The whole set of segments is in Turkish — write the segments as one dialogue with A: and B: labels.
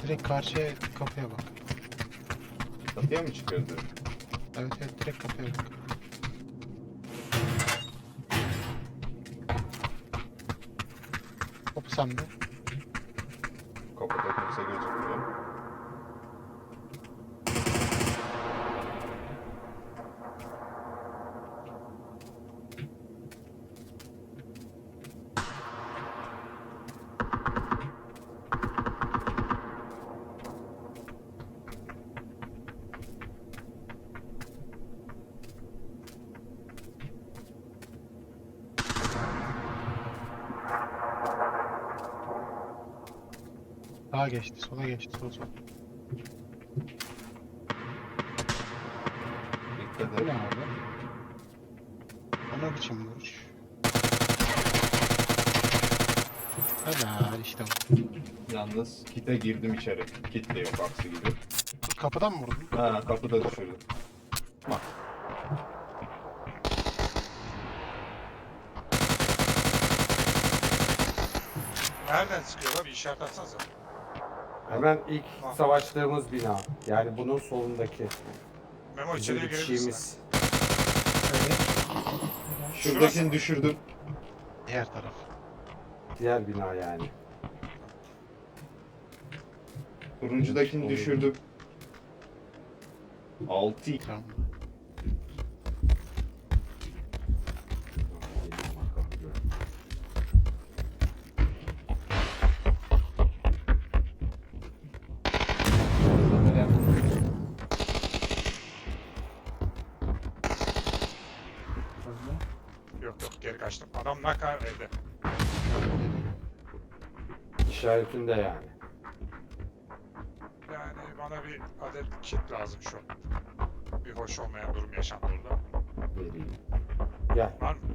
A: Direkt karşıya kapıya bak.
B: Kapıya mı çıkıyordu?
A: Evet evet direkt kapıya bak. Kapı sende.
B: Kapıda kimse gözükmüyor.
A: Sağa geçti, sola geçti, sol.
B: Dikkat
C: Bu ne
B: et.
C: abi?
A: Ona biçim vuruş. Helal işte bu.
B: Yalnız kite girdim içeri. Kit de yok aksi gibi.
A: Kapıdan mı vurdun?
B: Ha kapıda düşürdüm.
A: Bak.
D: Nereden sıkıyorlar? Bir işaret atsanıza.
C: Hemen ilk savaştığımız bina. Yani bunun solundaki.
D: Memo
C: Bizim
D: içeriye girebilirsin.
C: bitişiğimiz.
A: Evet.
B: Şuradakini düşürdüm.
A: Diğer taraf.
C: Diğer bina yani.
B: Turuncudakini düşürdüm. 6
A: Tamam.
D: Yok yok geri kaçtım. Adam naka evde.
C: İşaretinde yani.
D: Yani bana bir adet kit lazım şu an. Bir hoş olmayan durum yaşandı orada.
C: Vereyim. Gel.
D: Var mı?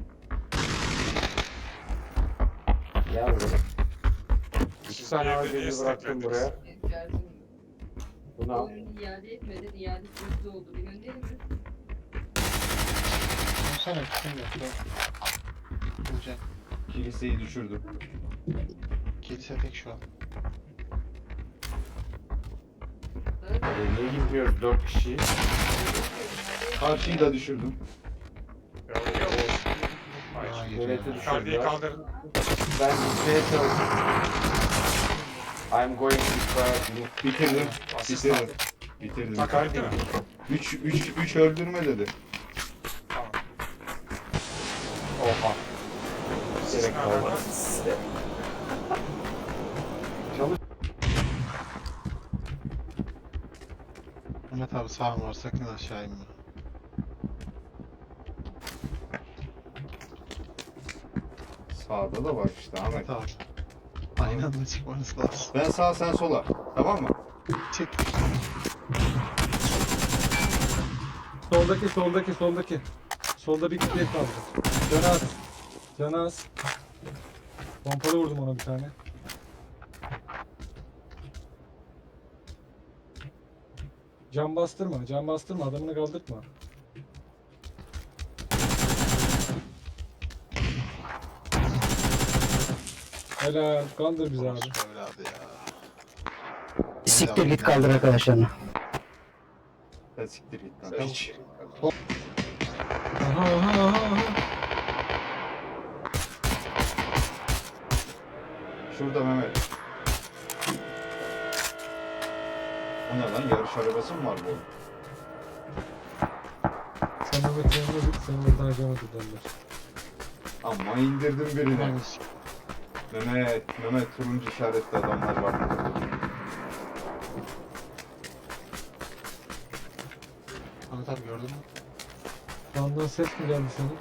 C: Gel buraya. İki
D: Siz
C: tane
D: bir evde
C: ağacını
D: niye
C: bıraktım
D: steklediniz?
C: buraya. Bunu al.
E: Oyunu iade etmedin, iade süresi oldu. Bir gönderir mi?
A: Sana kim yok? Bulacağım.
B: kiliseyi düşürdüm.
A: Kilise tek şu an.
C: Niye gitmiyoruz 4 kişi?
B: Karşıyı da düşürdüm.
D: Yok yok. Hayır.
A: Hayır
C: Devleti
A: ya.
D: Yukarıdayı
C: düşürdüler.
D: kaldırın.
C: Ben gitmeye çalışıyorum. I'm going to try.
B: Bitirdim.
D: Asist
B: Bitirdim.
D: aldım.
B: Bitirdim.
D: Takar değil mi?
B: 3 öldürme dedi.
D: Tamam.
C: Oha.
D: Siz
C: Gerek
D: nereden
C: kalmadı.
D: var?
C: Çalış.
A: Mehmet abi sağım var, sakın aşağı inme.
B: Sağda da var işte Ahmet.
A: Mehmet abi. Aynı anda çıkmanız lazım.
B: Ben sağ sen sola. Tamam mı?
A: Çık.
F: Soldaki. Solda bir kitle kaldı. Canaz. Canaz. Pompalı vurdum ona bir tane. Can bastırma, adamını kaldırtma. Helal, kandır bizi abi.
A: Böyle abi ya.
G: Siktir git kaldır arkadaşlarını.
B: Sen siktir git lan.
A: Sen-
B: Hiç.
F: Aha.
B: Şurada Mehmet. O ne lan? Yarış arabası mı var bu?
F: Sen Mehmet'in yanına git, seni buradan harcamadı derler.
B: Amma indirdim birini.
A: Hangisi?
B: Mehmet turuncu işaretli adamlar var.
A: Mehmet abi gördün mü?
F: Sağından ses mi geldi senin?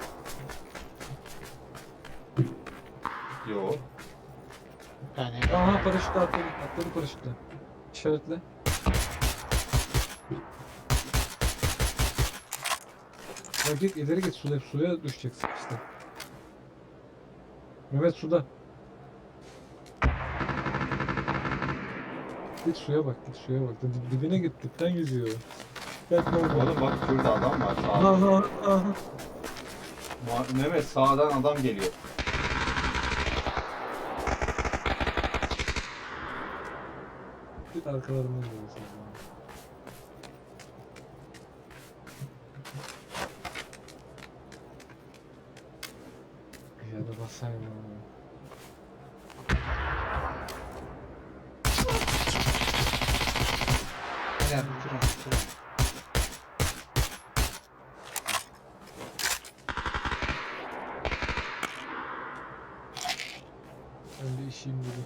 B: Yo.
A: Yani
F: Aha paraşütle atladı paraşütle. İşaretle. Ya git ileri git suya düşeceksin işte. Mehmet suda. Git suya bak. Dibine git dipten yüzüyor. Gel
B: Oğlum bak şurada adam var. Sağda.
F: Aha.
B: Mehmet sağdan adam geliyor.
F: Git arkalarından geliyorsun. Ya da basayım ya.
A: Gel durun.
F: Ben bir işim dedim.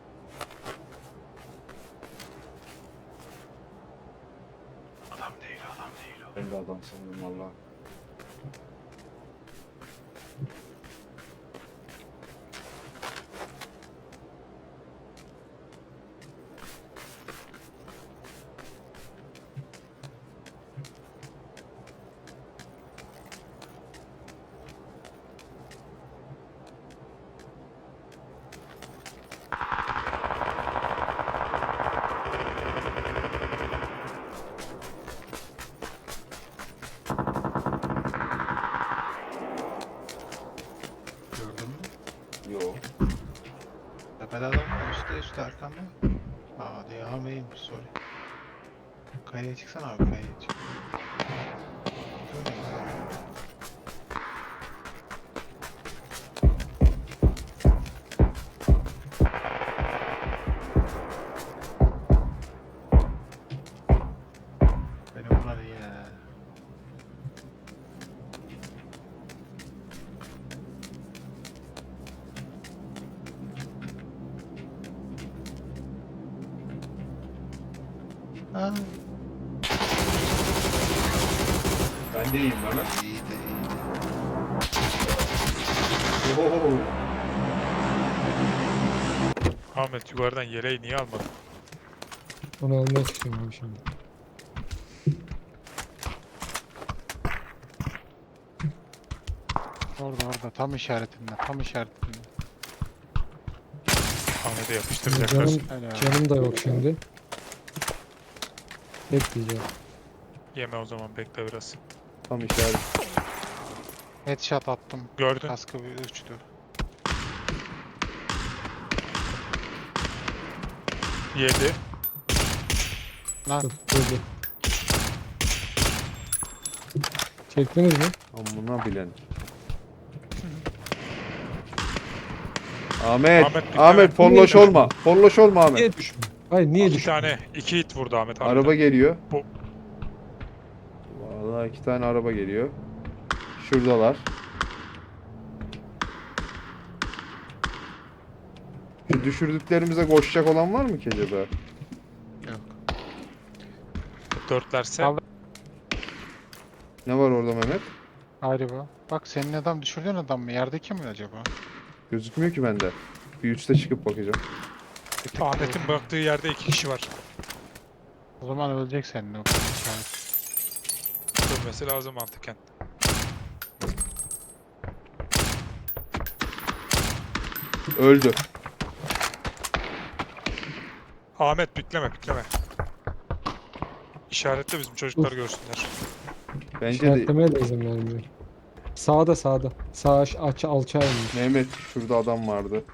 A: Adam değil adam değil o.
B: Ben de adam sandım valla.
A: Gördün mü?
B: Yo.
A: Tepede adam var. Üstte arkanda. Aa diye hameymiş sorry. Kayaya çıksana abi kayaya çık. Şöyle güzel. Benim bunlar iyi ya. Ha,
B: Ben de iyiyim Mehmet.
A: iyi de iyi de.
B: Oho.
D: Ahmet yukarıdan yeleği niye almadın?
F: Onu almaya çıkıyorum abi şimdi.
A: Orada tam işaretinde tam işaretinde.
D: Ahmet'e yapıştıracaklar.
F: Canım,
A: Öyle abi.
F: canım da yok şimdi. Bekleyeceğim.
D: Yeme o zaman bekle biraz.
B: Tam işaret.
A: Headshot attım.
D: Gördün.
A: Kaskı bir uçtu.
D: Yedi.
A: Lan
F: Dur, dur. Çektiniz mi?
B: Amına bilen. Ahmet,
D: Ahmet,
B: Ahmet
D: dikkat.
B: polloş olma. Polloş olma Ahmet.
F: Niye düşmüyor? Hayır niye
D: İki
F: düşmüyor?
D: tane. 2 hit vurdu Ahmet abi.
B: Araba geliyor.
D: Bu-
B: Vallahi 2 tane araba geliyor. Şuradalar. Şu düşürdüklerimize koşacak olan var mı ki acaba?
A: yok.
D: Dörtlerse.
A: Al.
B: Ne var orada Mehmet?
A: Ayrı bu. Bak senin adam düşürdüğün adam mı? Yerdeki mi acaba?
B: Gözükmüyor ki bende. Bir üste çıkıp bakacağım.
A: Bir tık
D: Ahmet'in baktığı yerde 2 kişi var.
A: O zaman ölecek senin o işaret.
D: Dönmesi lazım mantıken.
B: Öldü.
D: Ahmet bitleme. İşaretle bizim çocuklar görsünler.
B: Bence de
F: İşaretlemeye de izin vermiyor. Sağda. Sağ alçağa inmiş.
B: Mehmet şurada adam vardı.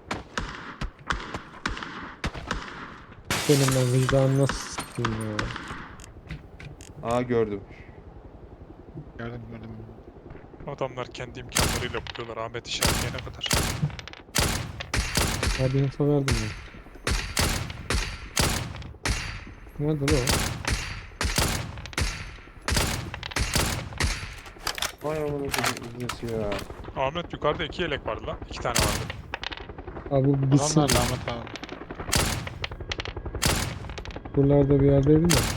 F: Benim ben vicdanım nasıl s**eyim ya.
B: Aa gördüm.
A: Gördüm.
D: Adamlar kendi imkanlarıyla buluyorlar Ahmet işaretleyene kadar.
F: Hadi info verdim ya. Nerede lan o?
B: Vay amına koyayım iznesi ya.
D: Ahmet yukarıda 2 yelek vardı lan. 2 tane vardı.
F: Abi bu bitsin.
A: Adamlar Ahmet abi.
F: Buralarda bir yerdeydi de.